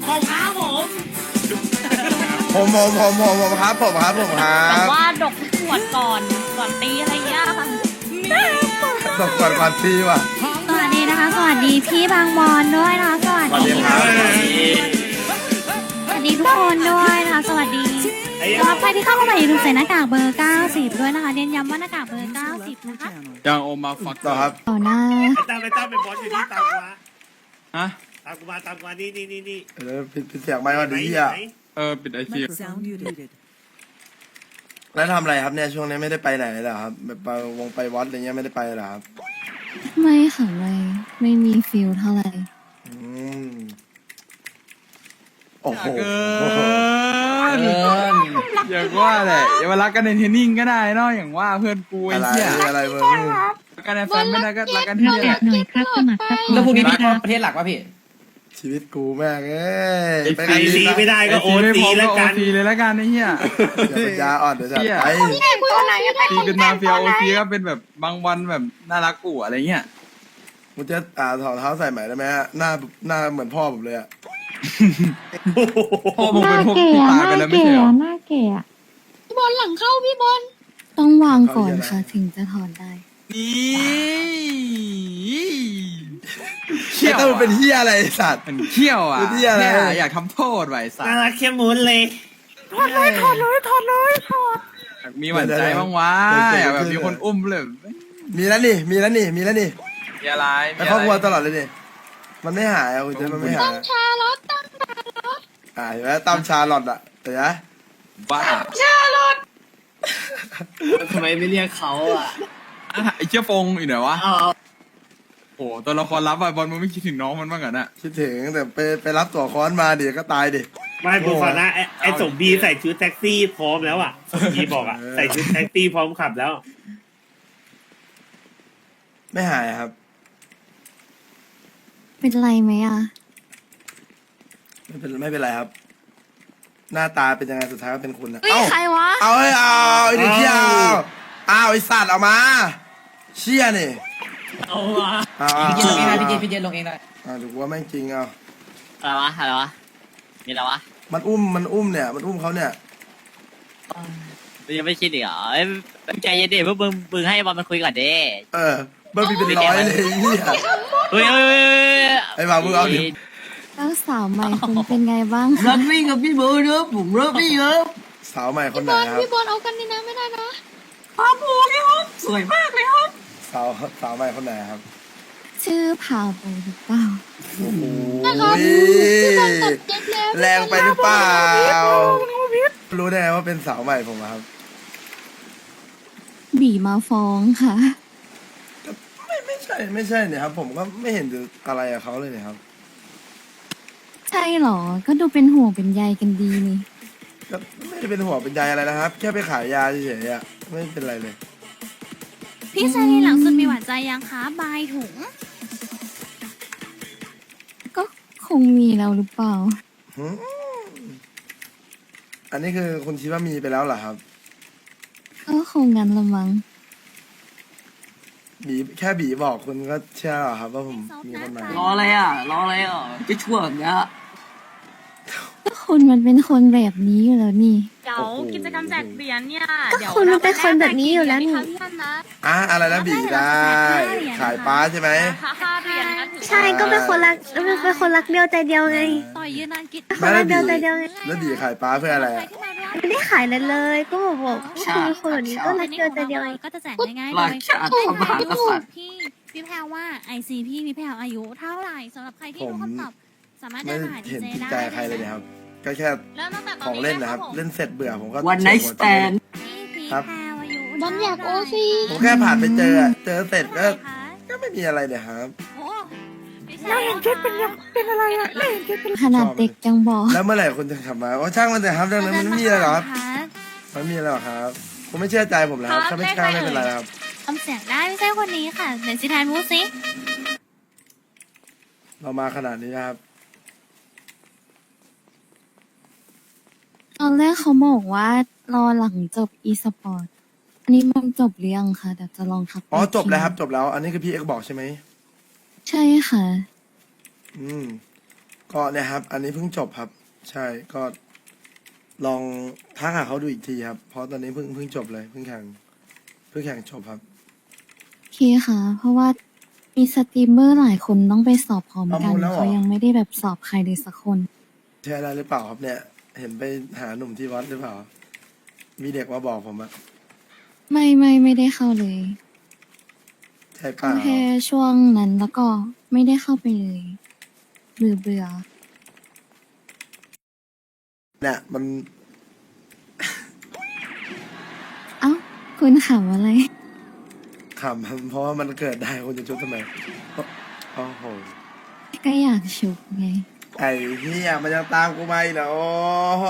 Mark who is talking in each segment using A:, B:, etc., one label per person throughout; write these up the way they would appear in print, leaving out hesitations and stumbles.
A: ผมครับผม
B: ผมครับผมครับผมครั
C: แบบ
B: บ
C: ว่าดกขวดก่อนตีอะไรเงี้ยค่ะ
B: ตกก่อนทีว่ะ
C: สวัสดีนะคะ สวัสดีพี่บางบอนด้วยนะคะสวัส
B: สวัส
C: ดี
B: ดีครับ
C: สวัสดีทุกคนด้วยนะคะสวัสดีสำหรับใครที่เข้ามาใหม่อย่าลืมใส่หน้ากากเบอร์ 90 ด้วยนะคะเน้นย้ำว่าหน้ากากเบอร์ 90 นะคะ
D: ยังโอมาฟัก
B: ต่อครับ
C: ต่อหน้า
A: ไปตั้งเป็นบอสอยู่ที่ตามกูมา
D: ฮะ
A: ตามกูมานี่
B: ผิดเสียงไม่ว่าดีอ่ะ
D: ปิดไอซี
E: Sound muted.
B: แล้วทำอะไรครับเนี่ยช่วงนี้ไม่ได้ไปไหนเลยเหรอครับแบบไปวัดอะไรเงี้ยไม่ได้ไปเหรอครับ
C: ไม่ค่ะไม่มีฟิลเท่าไหร่
B: อืมโอ้โห
D: เกินอย่างว่าแหละอย่ามารักกันในเทรนนิ่งก็ได้เนาะอย่างว่าเพื่อนกูไอ้
B: อะไร
D: เหี้ย
B: อะไรมึง
D: รักกันในแฟนไม่ได้ก็รักกันที่นี่แหละ
C: หน่อยครับสมัครครับ
F: แล้วพวกนี้พี่เข้าประเทศหลักป่ะพี่
B: ชีวิตกูแม่งเอ้ยไป
A: ไอซีไม่ได้ก็โอ
D: ไม่
A: ซี
D: พอ
A: แล้ว
D: ก็โอ
A: กัน
D: ซีเลยละกันไอ้เหี้ย
B: อย่าปัญญาอ่อนเดี๋ยวจะไป
D: ตีเป็นมาเฟียโอซีก็เป็นแบบบางวันแบบน่ารักกูอะไรเงี้ย
B: มึงจะถอดเท้าใส่ใหม่ได้ไหมฮะหน้าเหมือนพ่อผมเลยอะ
D: พ่อมึงเป็นพวกที่ตายไปแล้วไม่ใช่เหรอ
C: หน้าเก๋อะพี่บอลหลังเข้าพี่บอลต้องวางก่อนค่ะถึงจะถอนได้
D: นี่
B: เชี่ยต้องเป็นเฮียอะไรไอ้สัตว์
D: มันเขี้ยวอ่ะ
B: เป็นเหี้ยอะไร
D: แค่อยากทำโทษไว้สัต
A: น่า
D: ว์
A: รักเข้มมุนเลย
D: อยากมีหวั่นใจบ้างวะอยากแบบมีคนอุ้มเลย
B: มีแล้วนี่
D: มีอะไร
B: ไป
D: มี
B: คร
D: อะ
B: อบครัว
D: ไร
B: ตลอดเลยนี่มันไม่หายอ่ะคุณเจมันไม่หาย
C: ชาลอต
B: เห็นไหมตามชาลอตอะเห็นไหม
D: บ้า
F: ทำไมไม่เรียกเขาอ่ะ
D: ไอ้เชี่ยฟงอยู่ไหนวะ
F: เอา
D: โอ้ตัวละครลับอะบอลมึงไม่คิดถึงน้องมันบ้างเหรอน่ะ
B: คิดถึงแต่ไปรับตัวค้อนมาเดี๋ยวก็ตายดิ
A: ไม่กูขอนะไอสมบีใส่ชุดแท็กซี่พร้อมแล้วอ่ะสมบีบอกอ่ะใส่ชุดแท็กซี่พร้อมขับแล้ว
B: ไม่หายครับ
C: เป็นไรไหมอ่ะ
B: ไม่เป็นไรครับ หน้าตาเป็นยังไงสุดท้ายก็เป็นคุณนะ
C: เฮ้ยใครวะ
B: เอาไอ้เด็กเชี่ยเอาไอ้สัตว์เอามาเชี่ยนี่
F: เอาวะ
B: เอา
F: พี่เจนลงเองได้พี่เจนลงเองได้
B: ถูกว่าแม่งจริงเอา
F: อะไรวะมีอะไรวะ
B: มันอุ้มเนี่ยมันอุ้มเขาเนี่ย
F: ยังไม่คิดอีกเหรอใจเย็นดิพวกมึงให้บอลมันคุยก่อนดิ
B: เบอร์บีเป็นร้อยเลยเฮีย
F: เฮ้ย
B: ไอ้บ่าวมึงเอาดิ
C: เจ้าสาวใหม่คุณเป็นไงบ้าง
F: รักพี่กับพี่เบอร์เนอะผมรักพี่ครับ
B: สาวใหม่คนไหนครับ
C: พี่บอลเอากันนี่นะไม่ได้นะ
F: ครับผมพี่ครับสวยมากเลยครับ
B: สาวใหม่คนไหนครับ
C: ชื่อพาวโบหรือเปล่า
B: โอ้โหแรงไปหรือเปล่ารู้ได้ไงว่าเป็นสาวใหม่ผมอะครับ
C: บีมาฟ้องค่ะ
B: ไม่ใช่เนี่ยครับ ผมก็ไม่เห็นจะอะไรกับเขาเลยเนี่ยครับ
C: ใช่เหรอ ก็ดูเป็นห่วงเป็นใยกันดีนี่
B: ก็ไม่ได้เป็นหัวเป็นใยอะไรนะครับ แค่ไปขายยาเฉยๆอะไม่เป็นไรเลย
C: พี่ชายในหลังสุดมีหวานใจยังคะบายถุง ก็คงมีแล้วหรือเปล่า
B: หืมอันนี้คือคุณคิดว่ามีไปแล้วเหรอครับ
C: ก็คงงั้นละมั้ง
B: แค่บีบอกคุณก็เชื่อเหรอครับว่าผมมีคนใหม่
F: รออะไรอ่ะจะชั่วแบบเนี้ย
C: ก็คุณมันเป็นคนแบบนี้อยู่แล้วนี่
G: เดี๋ยวกิจกรรมแจกเหรียญเนี่ย
C: ก็
G: เดี๋ยว
C: คุณมันเป็นคนแบบนี้อยู่แล้วนี่
G: ค่ะพี่ท่านนะ
B: อะไรนะบีได้ ขายป้าใช่ไหม
G: ค่าเหรียญนะถือว่า
H: ใช่ก็เป็นคนรักเป็นคนรักเดียวใจเดียวไง
C: ต่อยยืนนานกิจ
B: ไม่แล้วบี
H: เดียวใจเดียวไง
B: แล้วบีขายป้าเพื่ออะไรอะ
H: ไม่ได้ขายเลยเลย ก็บอกคือคนแบบนี้ก็รักเดียวใจเดียวไง
C: ก็จะแจกง่ายๆ
F: หลั
C: เล
F: ก
C: ย
F: ชาติมหากษัตริย์
C: พี่แพรว่าไอซีพี่แพรอายุเท่าไหร่สำหรับใครที่รู้คำตอบสามารถ
B: ไม่
C: เดินมาหาดี
B: เห็น
C: เจ
B: ติด
C: ได้
B: ใจใครเลยเนี่ยครับ ก็แค่
G: เริ่มตั้งแต่ต
B: ข
G: อ
B: อน ง
G: นี้
B: เล่น
G: นะ
B: นะ
G: ค
B: ค
G: รั
B: รั
G: บบ ผม
B: เล่นเสร็จเบื่อผมก็
F: วันไนท์สแตน
C: พี่
B: ครับ
C: แพรอายุ
H: บอลอยากโอซี
B: ผมแค่ผ่านไปเจอเสร็จก็ไม่มีอะไรเลยครับ
C: เราเห็นชุดเป็นอะไรอะขนาดเด็กยังบอก
B: แล้วเมื่อไหร่คุณจะขับมาช่างมันแต่ครับเรื่องนั้นมันไม่มีอะไรหรอกครับมันมีอะไรหรอกครับคุณไม่เชื่อใจผมแล้วครับถ้าไม่กล้าไม่เป็นไรครับ
C: ทำเสียงได้ไม่ใช่คนนี้ค่ะเดี๋ยวสิทานมูสิ
B: เรามาขนาดนี้นะครับ
C: ตอนแรกเขาบอกว่ารอหลังจบอีสปอร์ตอันนี้มันจบหรือยังคะเดี๋ยวจะลองทักไป
B: จบแล้วครับ
C: ที
B: จบแล้ว อันนี้คือพี่เอ็กบอกใช่ไหม
C: ใช่ค่ะ
B: อืมก็เนี่ยครับ อันนี้เพิ่งจบครับ ใช่ก็ลองทักหาเขาดูอีกทีครับ เพราะตอนนี้เพิ่งจบเลยเพิ่งแข่งจบครับ
C: โอเคค่ะ เพราะว่ามีสตรีมเมอร์หลายคนต้องไปสอบพร้อม
B: เอา
C: กั
B: หม
C: น
B: ดแล้วเหรอ
C: เขายังไม่ได้แบบสอบใครเลยสักคน
B: ใช่อะไรหรือเปล่าครับเนี่ย เห็นไปหาหนุ่มที่วัดหรือเปล่า มีเด็กมาบอกผมอะ
C: ไม่ได้เข้าเลย
B: ใช่เป
C: เข้า
B: ล่า
C: แค่ช่วงนั้นแล้วก็ไม่ได้เข้าไปเลยเบื่อ
B: เนี่ยมัน
C: เอ้าคุณขำอะไร
B: ขำครับเพราะว่ามันเกิดได้คนจะชุบทำไมโอ้โห
C: ก็อยากฉุกไง
B: ไอ้เหี้ยมันยังตามกูมาอีกเหรอโอ้โห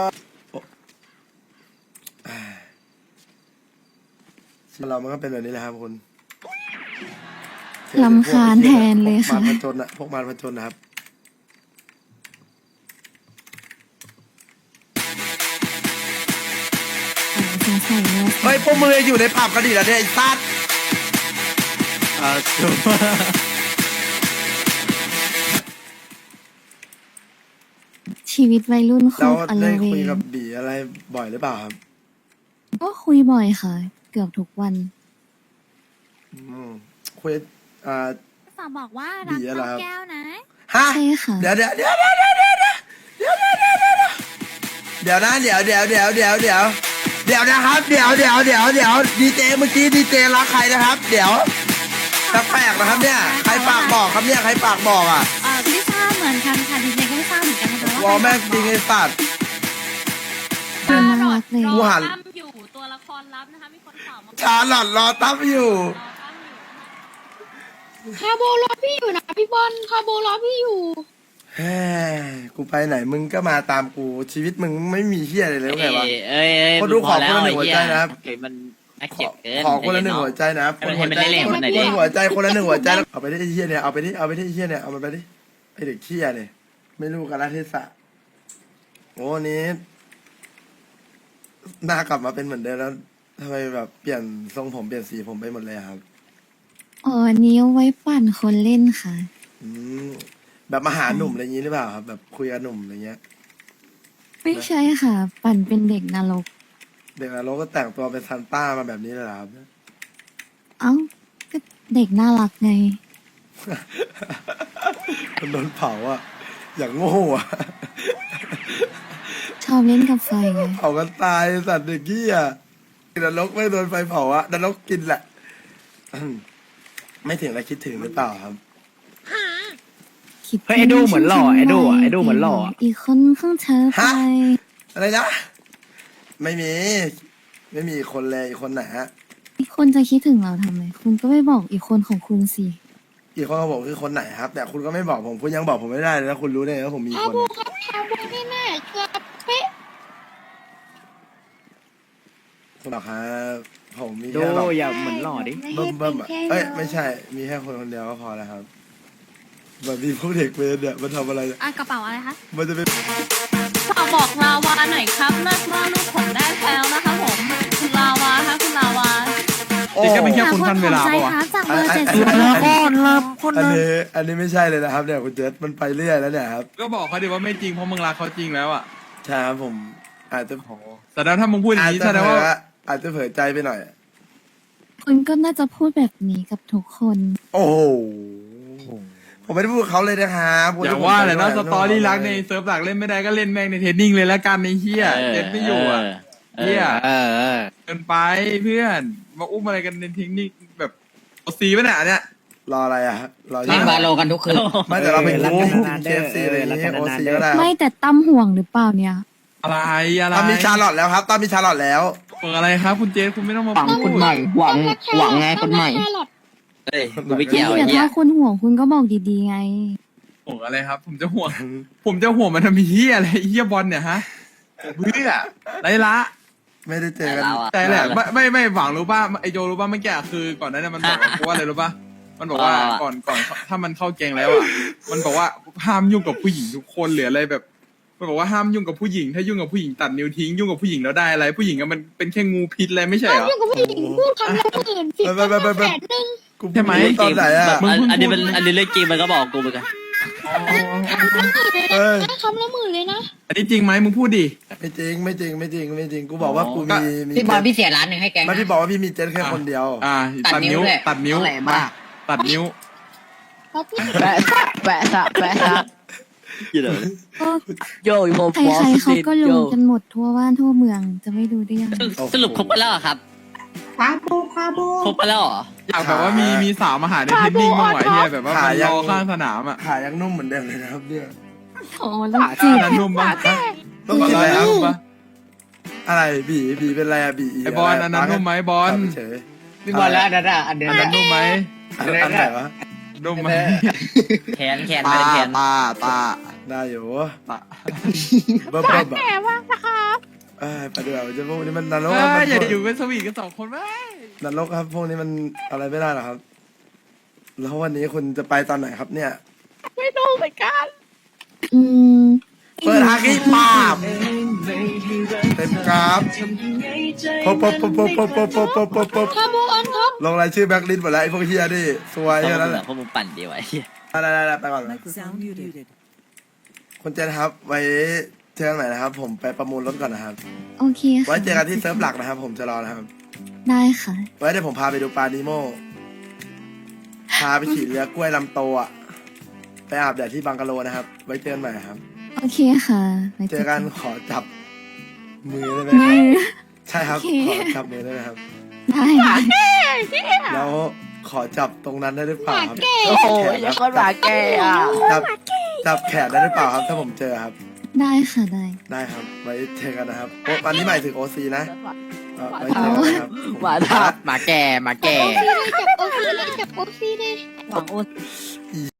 B: เรามันก็เป็นแบบนี้แหละครับคุณ
C: รำคาญแทนเลยค่ะ
B: พวกมารผจญนะพวกมารผจญนะครับ
C: สงสัยว่า
B: เฮ้ยพวกมืออยู่ในผับกันดิแล้วเนี่ยไอ้ซัด
C: ชีวิตวัยรุ่นโค
B: เรา
C: ตรอล
B: ได้
C: เว
B: คุย
C: ง
B: กับบีอะไรบ่อยหรือเปล่าครับ
C: ก็คุยบ่อยค่ะ เกือบทุกวัน
B: คุย
C: ฝากบอกว่า
B: รักน้องแก้
C: แก้
B: ว
C: ว
B: นะ
C: นะ
B: ฮะ
C: ใช่ค่ะ
B: เดี๋ยวนะเดี๋ยวนะครับเดี๋ยวดีเจเมื่อกี้ดีเจรักใครนะครับ เดี๋ยวแปลกนะครับเนี่ยใครปากบอกครับเนี่ยใครปากบอกอ่ะ
C: ไม่ทราบเหมือนกันค่ะดีเจก็ไม่ทราบเหมือนกันนะคะ
B: วอลแม่งจริงไอ้สัตว์
C: คุณน่ารักเลย
B: กูหัน
G: ตั้มอยู่ตัวละครลับนะคะ มีคนตอบมา
B: ชาลอตรอตั้มอยู่
H: คาโบรอพี่อยู่นะพี่บอลคาโบรอพี่อยู่
B: เฮ้ยกูไปไหนมึงก็มาตามกูชีวิตมึงไม่มีเฮียอะไรเลยไงวะ
F: เอ้ย
B: คนดูขอคนละหนึ่งหัวใจนะครับ
F: เฮ้ยมันน่าเกลียดเกิน
B: ขอคนละหนึ่งหัวใจนะครับ
F: ให้มันได้เล่นคนไหนดิ
B: หัวใจคนละหนึ่งหัวใจแล้วเอาไปที่ไอ้เฮียเนี่ยเอาไปที่ไอ้เฮียเนี่ยเอามันไปดิไอเด็กเฮียเนี่ยไม่รู้กาลเทศะโอ้วันนี้หน้ากลับมาเป็นเหมือนเดิมแล้วทำไมแบบเปลี่ยนทรงผมเปลี่ยนสีผมไปหมดเลยอะครับ
C: อ๋ออันนี้เอาไว้ปั่นคนเล่นค่ะ
B: อืมแบบมาหาหนุ่มอะไรอย่างนี้หรือเปล่าครับแบบคุยกับหนุ่มอะไรเงี้ย
C: ไม่ใช่ค่ะ ปั่นเป็นเด็กนรก
B: เด็กนรกก็แต่งตัวเป็นซันต้ามาแบบนี้เลยเหรอครับ
C: เอ้าก็เด็กน่ารักไง
B: มันโดนเผาอ่ะอย่างโง่อ่ะ
C: ชอบเล่นกับไฟไง
B: เผากันตายสัตว์เด็กกี้อ่ะนรกไม่โดนไฟเผาอ่ะนรกกินแหละ ไม่ถึงแล้วคิดถึงหรือเปล่าครับ
C: คิด
D: เฮ้ยไอ้ดูเหมือนหล่อไอ้ดูอ่ะไอ้ดูเหมือนหล่ออ่ะ
C: อีกคนข้างเธอไป
B: ฮะ อะไรนะไม่มีอีกคนเลยอีกคนไหนฮะ
C: อีกคนจะคิดถึงเราทำไม คุณก็ไม่บอกอีกคนของคุณสิ
B: อีกคนเขาบอกคือคนไหนครับ แต่คุณก็ไม่บอกผมคุณยังบอกผมไม่ได้เลยแล้วคุณรู้ได้ไงว่าผมมีคน
H: ครับคาโบนี่แน่เกือบเป๊ะ
B: คุณหรอกครับผมมี
D: ดู
B: แค่หรอก
D: อย่าเหมือนหล่อดิ
B: เบิ่มอ่ะเอ้ยไม่ใช่ มีแค่คนเดียวก็พอแล้วครับแบบมีพวกเด็กเวรเนี่ยมันทำอะไรเนี่ย
C: กระเป๋าอะไรคะ
B: มันจะเป็น
G: ฝากบอกลาวาหน่อยครับเลิกว่าลูกผมได้แล้วนะคะผม คุณลาวาคะคุณลาวา
B: โอ้
D: เด็กก็เป็นแค่คนขั้นเวลาปะวะ
C: จากเบอร์
B: อัน
C: เจ็ด
B: อัน
C: สิบ
B: อัน
C: ห้า
B: อันนี้ไม่ใช่เลยนะครับเนี่ยคุณเจษมันไปเรื่อยแล้วเนี่ยครับ
D: ก็บอกเขาดิว่าไม่จริงเพราะมึงรักเขาจริงแล้วอ่ะ
B: ใช่ครับผมอาจจะ
D: แต่ถ้ามึงพูดอย่างนี้แสดงว่า
B: อาจจะเผลอใจไปหน่อย
C: คุณก็น่าจะพูดแบบนี้กับทุกคน
B: โอ้โหผมไม่ได้พูดกับเขาเลยนะครับ
D: อย่าว่าแต่นะสตอรี่รักในเซิร์ฟหลักเล่นไม่ได้ก็เล่นแม่งในเทรนนิ่งเลยแล้วกันในเฮียเล่นไม่อยู่อ่ะ เหี้ย เกินไปเพื่อนมาอุ้มอะไรกันในเทคนิคแบบเอาซีป่ะเนี่ยอันเนี่ย
B: รออะไรอ่ะรอ
F: เล่นบาโลกันทุกคืน
B: ไม่แต่เราเป็นคู่เคฟซีอะไรอย่างงี้โอซีก็ได้
C: ไม่แต่ตั้มห่วงหรือเปล่าเนี่ย
D: อะไร
B: ตอนมีชาลอตแล้วครับตอนมีชาลอตแล้ว
D: เปิดอะไรครับคุณเจสคุณไม่ต้องมาพูด
H: หวังไงคนใหม่
F: เฮ้ยกูไม่เกี่ยว
C: แต่
F: ไอ้เหี้ย
C: ถ้าคุณห่วงคุณก็บอกดีๆไง
D: ห่วงอะไรครับ ผมจะห่วงมันทำเฮียอะไรเฮียบอลเนี่ยฮะเพื่อไรละ
B: ไม่ได้เจอกัน
F: เราอะ
D: แต่แหละไม่หวังรู้ป่ะไอโจรู้ป่ะเมื่อกี้คือก่อนหนั้านมันบอกกูว่าอะไรรู้ป่ะมันบอกว่าก่อนถ้ามันเข้าแกงแล้วอ่ะมันบอกว่าห้ามยุ่งกับผู้หญิงทุกคนหรืออะไรแบบมันบอกว่าห้ามยุ่งกับผู้หญิงถ้ายุ่งกับผู้หญิงตัดนิ้วทิ้งยุ่งกับผู้หญิงแล้วได้อะไรผู้หญิงอะมันเป็นแค่งูพิษอะไรไม่ใช่เหรอ
H: ยุ่งกับผู้หญิงพูดคำละหมื่นสิบ
B: ไป
H: แสนหนึ่ง
B: กู
D: ใช่ไหม
B: ตอนไหนอ่ะ
F: อันนี้เรื่องจริงมันก็บอกกูเหมือนกัน
D: อ๋อ
B: เอ้ย
H: คำละหมื่นเลยนะ
D: อันนี้จริงไหมมึงพูดดิ
B: ไม่จริงไม่จริงไม่จริงไม่จริงกูบอกว่ากูมี
E: พี่บอลพี่เสียร้านหนึ่งให้แกง
B: ไม่พี่บอกว่าพี่มีเจ็ตแค่คนเดียว
D: ตัดนิ้ว
E: เลย
D: ตัดนิ้ว
E: อะไรมาก
D: ตัดนิ้ว
E: แปะซะแปะซะแปะซะ
C: ก็
E: โย่ผม
C: ใครๆเขาก็รู้กันหมดทั่วบ้านทั่วเมืองจะไม่ดูได้ยังไง
F: สรุปครบไปแล้วเหรอครับครบไปแล้วเหรอ
D: อยากแบบว่ามีสาวมาหาในเทนนิ่งบ้างไหวเฮียแบบว่ามันรอข้างสนามอ่ะ
B: ขายังนุ่มเหมือนเดิมเลยนะครับเนี่ย
C: โอ้ลูกจีบ
D: นั้นนุ่มปะ
B: ต้องกินอะไรครับ
D: นุ่มปะ
B: อะไรบีเป็นอะไรอะบี
D: ไอบอลอันนั้นนุ่มไหมบอล
B: เฉย
E: พี่บอลแล้วอันนั้นอ่ะอันเดิม
D: อันนั้นนุ่มไหม
B: อันไหนวะ
D: นุ่มไหม
F: แขนไม่ได้แขน
B: ตาได้อยู่
D: ตะ
B: เบิ่มแบบไปดูเอาจะพวกนี้มันนรก
D: อย่าอยู่เป็นสวีทกันสองคนไหม
B: นรกครับพวกนี้มันอะไรไม่ได้หรอกครับ แล้ววันนี้คุณจะไปตอนไหนครับเนี่ย
C: อืม
B: เปิดฮากี้ปาบเต็มกราฟพบลงรายชื่อแบ็คลิสต์หมดแล้วไอ้พวกเฮียนี่สวย
F: พว
B: แค่
F: ก
B: นั้นแหละ
F: มึงปั่นดีไว้
B: ได้ไปก่อนคุณเจนครับ ไว้เจอกันใหม่นะครับ ผมไปประมูลรถก่อนนะครับ
C: โอเค
B: ไว้
C: ค่ะ
B: เจอกันที่เซิร์ฟหลักนะครับ ผมจะรอนะครับ
C: ได้ค่ะ
B: ไว้เดี๋ยวผมพาไปดูปลานิโมพาไปขี่เรือกล้วยลำโตอ่ะไปอาบแดดที่บังกะโลนะครับ ไว้เจอกันใหม่ครับ
C: โอเคค่ะไว้
B: เจอกันขอจับมือได้ไหมค
C: มื
B: รับ
C: อ
B: ใช่ครับ
C: โอเค
B: ขอจับมือได้ไหมครับ
C: ได้
B: แล้วขอจับตรงนั้นได้หรือเปล่าครับ
E: โอ้โหยังคนหมาแกอ่ะ
B: จับแขนได้หรือเปล่าครับ ถ้าผมเจอครับ
C: ได้ค่ะได้
B: ได้ครับ ไว้เจอกันนะครับโอ้วันนี้หมายถึงโอซีนะไว้เจอกันนะครับ
E: หมาทับหมาแก่หมาแก่
H: จับโอซีเลยจับโอซีเลย
E: หวังโอ้